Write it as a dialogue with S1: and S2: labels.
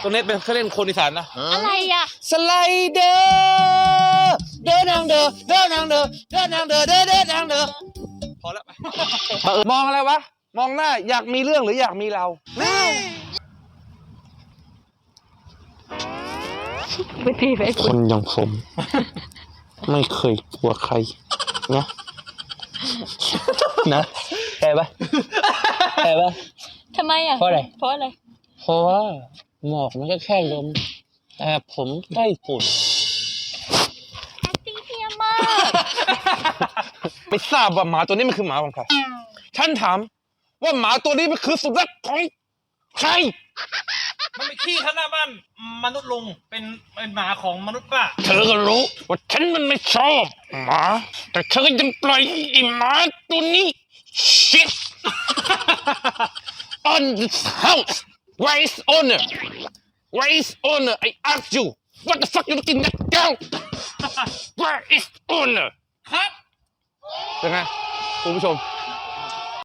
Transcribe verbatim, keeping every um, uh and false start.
S1: ตัวนี้เป็นเครื่องเล่นคนอีสานนะ
S2: อะไรอะ
S1: สไลเดอร์เดินทางเดินเดินทางเดินเดินทางเดินเดินเดินทางเดินพอแล้วมองอะไรวะมองหน้าอยากมีเรื่องหรืออยากมีเรา
S2: ไม่พี่ไป
S3: คนอย่างผม ไม่เคยกลัวใครนะนะใช่ปะใช่ปะ
S2: ทำไมอะ
S3: เพราะอะไร
S2: เพราะอะไร
S3: เพราะว่าหมอกมันก็แค่ลมแต่ผมได้ฝุ่น
S2: acting เฮียมาก
S1: ไม่ทราบว่าหมาตัวนี้มันคือหมาของใครฉันถามว่าหมาตัวนี้มันคือสุนัขของใคร
S4: มันเป็นขี้ข้างหน้าบ้านมนุษย์ลุงเป็นเป็นหมาของมนุษย์ป้า
S1: เธอก็รู้ว่าฉันมันไม่ชอบหมาแต่เธอก็ยังปล่อยไอ้หมาตัวนี้ shit on this house where is owner where is owner I ask you what the fuck you looking at girl where is owner
S4: ครับ
S1: เป็นไงคุณผู้ชม